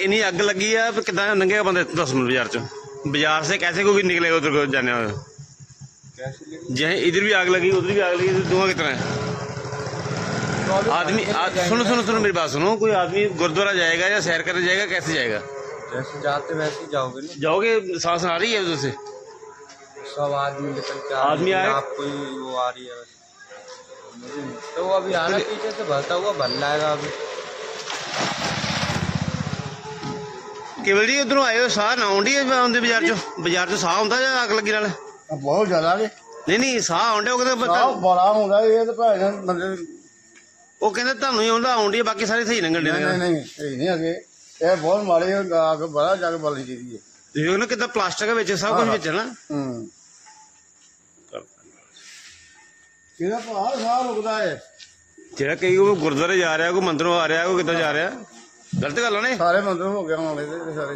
इन्नी अग लगी है कि नंगे बंदे 10 मिनट बाजार से कैसे कोई निकले उधर को जाने जहाँ इधर भी आग लगी उधर भी आग लगी, धुआं कितना है। आदमी सुनो सुनो सुनो मेरी बात सुनो, कोई आदमी गुरुद्वारा जाएगा या सैर करने जाएगा, कैसे जाएगा? जैसे जाते वैसे ही जाओगे ना। जाओगे, सांस आ रही है उधर से, सब आदमी निकल के आदमी आए, आपको वो आ रही है तो वो अभी आना पीछे से भरता हुआ भर लाएगा अभी। केवल जी उधरों आए हो, साह ना आउंडी आउंदे बाजार चो साह आउंदा या अग लगी नाल? बहुत ज्यादा जी। नहीं साह आउंडे, ਉਹ ਕਹਿੰਦੇ ਬੜਾ ਹੁੰਦਾ ਇਹ ਤਾਂ ਭਾਵੇਂ ਬੰਦੇ ਉਹ ਕਹਿੰਦੇ ਤੁਹਾਨੂੰ ਹੀ ਆਉਂਦਾ ਆਉਂਦੀ, ਬਾਕੀ ਸਾਰੇ ਸਹੀ ਲੰਘਣ ਦੇ। ਨਹੀਂ ਨਹੀਂ ਅਗੇ ਇਹ ਬਹੁਤ ਮਾੜੇ ਅੱਗ ਬੜਾ ਜਗ ਬਲੀ ਦੀ ਹੈ। ਤੁਸੀਂ ਉਹਨਾਂ ਕਿਦਾਂ ਪਲਾਸਟਿਕ ਵਿੱਚ ਸਭ ਕੁਝ ਵਿੱਚ ਨਾ। ਇਹਦਾ ਭਾਰ ਸਾਹ ਰੁਕਦਾ ਹੈ। ਜਿਹੜਾ ਕਈ ਉਹ ਗੁਰਦੁਆਰੇ ਜਾ ਰਿਹਾ, ਕੋਈ ਮੰਦਰੋਂ ਆ ਰਿਹਾ, ਕੋਈ ਕਿੱਦਾਂ ਜਾ ਰਿਹਾ, ਗਲਤ ਗੱਲ ਆ ਨੇ। ਸਾਰੇ ਮੰਦਰ ਹੋ ਗਿਆ ਹੋਣੇ ਤੇ ਸਾਰੇ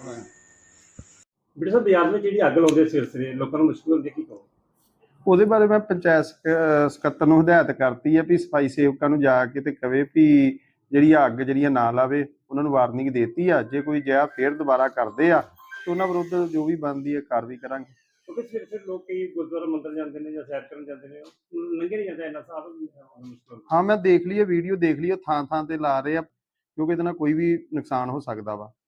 ਬੜੇ ਸਾਹਿਬ ਬਾਜ਼ਾਰ ਵਿੱਚ ਜਿਹੜੀ ਅੱਗ ਲਾਉਂਦੇ ਸਿਰਸਰੇ ਲੋਕਾਂ ਨੂੰ ਮੁਸ਼ਕਿਲ ਹੁੰਦੀ, ਕੀ ਕਹੋ? ਉਹਦੇ ਬਾਰੇ ਮੈਂ ਪੰਚਾਇਤ ਸਕੱਤਰ ਨੂੰ ਹਦਾਇਤ ਕਰਤੀ ਹੈ ਵੀ ਸਫਾਈ ਸੇਵਕਾਂ ਨੂੰ ਜਾ ਕੇ ਤੇ ਕਵੇ ਵੀ ਜਿਹੜੀ ਅੱਗ ਜਿਹੜੀਆਂ ਨਾ ਲਾਵੇ, ਉਹਨਾਂ ਨੂੰ ਵਾਰਨਿੰਗ ਦੇਤੀ ਆ। ਜੇ ਕੋਈ ਜਿਹਾ ਫੇਰ ਦੁਬਾਰਾ ਕਰਦੇ ਆ ਤੇ ਉਹਨਾਂ ਵਿਰੁੱਧ ਜੋ ਵੀ ਬਣਦੀ ਹੈ ਕਾਰਵਾਈ ਕਰਾਂਗੇ। ਕਿਉਂਕਿ ਸਿਰਸੇ ਲੋਕ ਕਈ ਗੁਰਦੁਆਰਾ ਮੰਦਰ ਜਾਂਦੇ ਨੇ ਜਾਂ ਸੈਰ ਕਰਨ ਜਾਂਦੇ ਨੇ, ਲੰਘੇ ਨਹੀਂ ਜਾਂਦਾ, ਇੰਨਾ ਸਾਹ ਮੁਸ਼ਕਿਲ। ਹਾਂ ਮੈਂ ਦੇਖ ਲਈ ਵੀਡੀਓ ਦੇਖ ਲਈ, ਥਾਂ ਥਾਂ ਤੇ ਲਾ ਰਹੇ ਆ, ਕਿਉਂਕਿ ਇਹਦੇ ਨਾਲ ਕੋਈ ਵੀ ਨੁਕਸਾਨ ਹੋ ਸਕਦਾ ਵਾ।